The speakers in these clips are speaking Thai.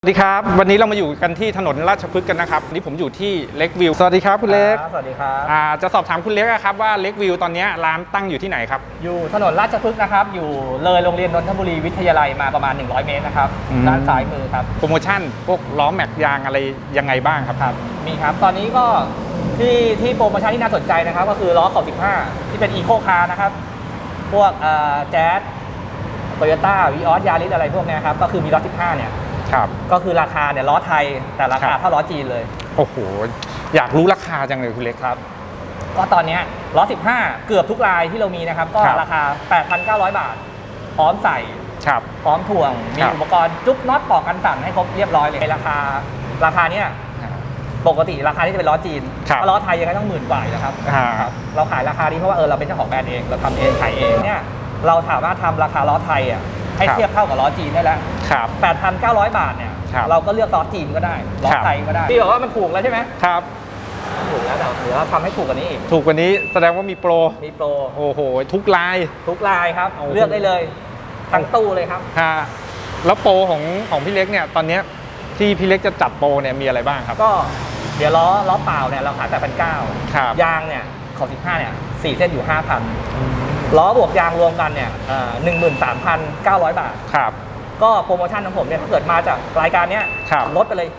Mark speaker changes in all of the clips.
Speaker 1: สวัสดีครับวันนี้เรามาอยู่กันที่ถนนราชพฤกษ์กันนะครับวันนี้ผมอยู่ที่เล็กวิวสวัสดีครับคุณเล็ก
Speaker 2: สวัสดีครับ
Speaker 1: จะสอบถามคุณเล็กครับว่าเล็กวิวตอนนี้ร้านตั้งอยู่ที่ไหนครับ
Speaker 2: อยู่ถนนราชพฤกษ์นะครับอยู่เลยโรงเรียนนนทบุรีวิทยาลัยมาประมาณ100เมตรนะครับด้านซ้ายมือครับ
Speaker 1: โปรโมชั่นพวกล้อแม็กยางอะไรยังไงบ้างครับ
Speaker 2: มีครับตอนนี้ก็ที่โปรโมชั่นที่น่าสนใจนะครับก็คือล้อขอบ15ที่เป็นอีโคคาร์นะครับพวกแจ๊สโตโยต้าวีออสยาริสอะไรพวกนี้ครับก็คือมีล้อ15เนี่ยก็คือราคาเนี่ยล้อไทยแต่ราคาเท่าล้อจีนเลย
Speaker 1: โอ้โหอยากรู้ราคาจังเลยคุณเล็ก
Speaker 2: ครับก็ตอนนี้ล้อ15เกือบทุกรายที่เรามีนะครับก็ราคา 8,900 บาทพร้อมใส่พร้อมถ่วงมีอุปกรณ์จุ๊บน็อตปอกกันสั่นให้ครบเรียบร้อยเลยราคาเนี่ยปกติราคาที่จะเป็นล้อจีนล้อไทยยังไงต้อง10,000 กว่านะครับเราขายราคานี้เพราะว่าเราเป็นเจ้าของแบรนด์เองเราทำเองขายเองเนี่ยเราถามว่าทำราคาล้อไทยให้เทียบเท่ากับล้อจีนได้แล้ว 8,900 บาทเนี่ยเราก็เลือกล้อจีนก็ได้ล้อไทยก็ได้พี่บอกว่ามันถูกแล้วใช่ไหม
Speaker 1: ครับ
Speaker 2: ถูกแล้วแต่เดี๋ยวเราทำให้ถูกกว่านี้อีก
Speaker 1: ถูกกว่านี้แสดงว่ามีโปรโอ้โหทุกลาย
Speaker 2: ครับเลือกได้เลยทั้งตู้เลยครับ
Speaker 1: แล้วโปรของพี่เล็กเนี่ยตอนนี้ที่พี่เล็กจะจัดโปรเนี่ยมีอะไรบ้างครับ
Speaker 2: ก็เดี๋ยวล้อเปล่าเนี่ยเราขาย 8,900 ยางเนี่ยของ15เนี่ย4เส้นอยู่ 5,000 ล้อบวกยางรวมกันเนี่ย13,900 บาทก็โปรโมชั่นของผมเนี่ยถ้าเกิดมาจากรายการนี้ลดไปเลย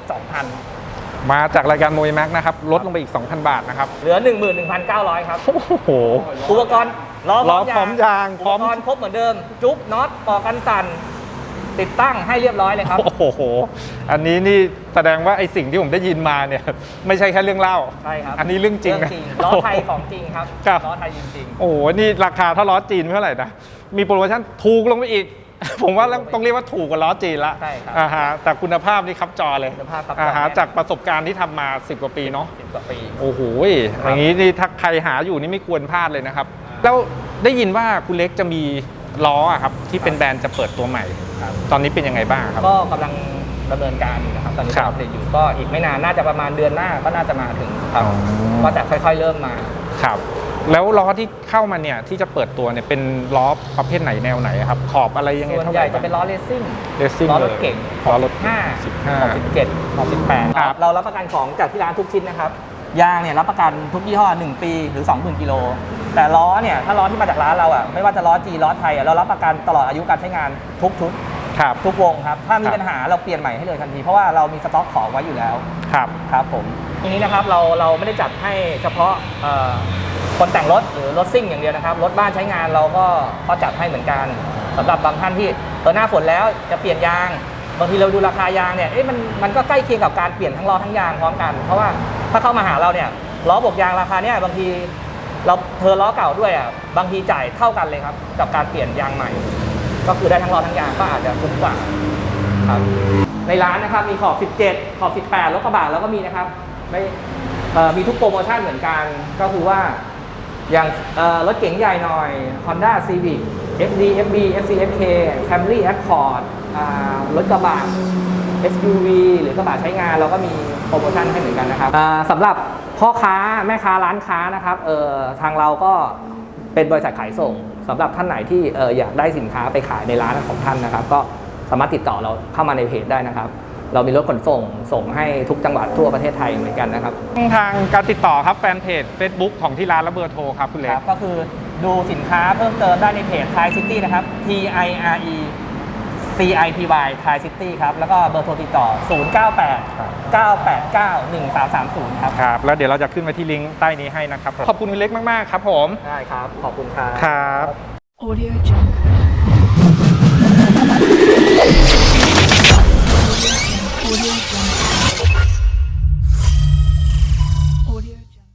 Speaker 2: 2,000
Speaker 1: มาจากรายการโมยแม็กนะครับลดลงไปอีก 2,000 บาทนะครับ
Speaker 2: เหลือ 11,900 ครับ
Speaker 1: โอ้โห
Speaker 2: อุปกรณ์ล้อ
Speaker 1: พร้อมยาง
Speaker 2: อุปกรณ์ครบเหมือนเดิมจุ๊บน็อตปอกกันสั่นติดตั้งให้เรียบร้อยเลยครับ
Speaker 1: โอ้โหอันนี้นี่แสดงว่าไอสิ่งที่ผมได้ยินมาเนี่ยไม่ใช่แค่เรื่องเล่า
Speaker 2: ใช่ครับ
Speaker 1: อันนี้เรื่องจริงนะ
Speaker 2: ล้อไทยของจริงครับล้อไทยจริง
Speaker 1: ๆโอ้โหนี่ราคาเท่าล้อจีนเท่าไหร่นะมีโปรโมชั่นถูกลงไปอีกผมว่าต้องเรียกว่าถูกกว่าล้อจีนละ
Speaker 2: ใช่ครับ
Speaker 1: แต่คุณภาพนี่ครับจอเลยจากประสบการณ์ที่ทำมา10 กว่าปีเนาะ
Speaker 2: 10 กว่าปี
Speaker 1: โอ้โหอย่างนี้นี่ถ้าใครหาอยู่นี่ไม่ควรพลาดเลยนะครับแล้วได้ยินว่าคุณเล็กจะมีล้อครับที่เป็นแบรนด์จะเปิดตัวใหม่ตอนนี้เป็นยังไงบ้างครับ
Speaker 2: ก็กำลังดำเนินการอยู่นะครับตอนนี้เราผลิตอยู่ก็อีกไม่นานน่าจะประมาณเดือนหน้าก็น่าจะมาถึงครับก็จะค่อยๆเริ่มมา
Speaker 1: ครับแล้วล้อที่เข้ามาเนี่ยที่จะเปิดตัวเนี่ยเป็นล้อประเภทไหนแนวไหนครับขอบอะไรยังไง
Speaker 2: ส่วนใหญ่จะเป็นล้อเรซซิ่งล้อรถเก่ง
Speaker 1: ล้อรถ
Speaker 2: 15ขอบ17ขอบ18เรารับประกันของจากที่ร้านทุกชิ้นนะครับยางเนี่ยรับประกันทุกยี่ห้อ1 ปีหรือ 20,000 กิโลแต่ล้อเนี่ยถ้าล้อที่มาจากร้านเราไม่ว่าจะล้อจีล้อไทยเรารับประกันตลอดอายุการใช้งานทุกชุดทุกวงครับถ้ามีปัญหาเราเปลี่ยนใหม่ให้เลยทันทีเพราะว่าเรามีสต็อกของไว้อยู่แล้วครับผมทีนี้นะครับเราไม่ได้จัดให้เฉพาะคนแต่งรถหรือรถซิ่งอย่างเดียวนะครับรถบ้านใช้งานเราก็จัดให้เหมือนกันสำหรับบางท่านที่หน้าฝนแล้วจะเปลี่ยนยางบางทีเราดูราคายางเนี่ยมันก็ใกล้เคียงกับการเปลี่ยนทั้งล้อทั้งยางพร้อมกันเพราะว่าถ้าเข้ามาหาเราเนี่ยล้อบวกยางราคาเนี่ยบางทีเราล้อเก่าด้วยบางทีจ่ายเท่ากันเลยครับกับการเปลี่ยนยางใหม่ก็คือได้ทั้งล้อทั้งยางก็อาจจะคุ้มกว่าครับในร้านนะครับมีขอบ17ขอบ18รถกระบะแล้วก็มีนะครับมีทุกโปรโมชั่นเหมือนกันก็คือว่าอย่างรถเก๋งใหญ่หน่อย Honda Civic FD FB FC FK Camry Accord รถกระบะ SUV หรือกระบะใช้งานเราก็มีโปรโมชั่นให้เหมือนกันนะครับสำหรับพ่อค้าแม่ค้าร้านค้านะครับทางเราก็เป็นบริษัทขายส่งสำหรับท่านไหนที่อยากได้สินค้าไปขายในร้านของท่านนะครับก็สามารถติดต่อเราเข้ามาในเพจได้นะครับเรามีรถขนส่งให้ทุกจังหวัดทั่วประเทศไทยเหมือนกันนะครับ
Speaker 1: ทางการติดต่อครับแฟนเพจ Facebook ของที่ร้านและเบอร์โทรครับคุณเล็ก
Speaker 2: ก็คือดูสินค้าเพิ่มเติมได้ในเพจ Thai City นะครับ TIRE CITY Thai City ครับแล้วก็เบอร์โทรติดต่อ0989891330ครับ
Speaker 1: แล้วเดี๋ยวเราจะขึ้นมาที่ลิงก์ใต้นี้ให้นะครับขอบคุณคุณเล็กมากๆครับผม
Speaker 2: ได้ครับขอบคุณครับ
Speaker 1: ครับ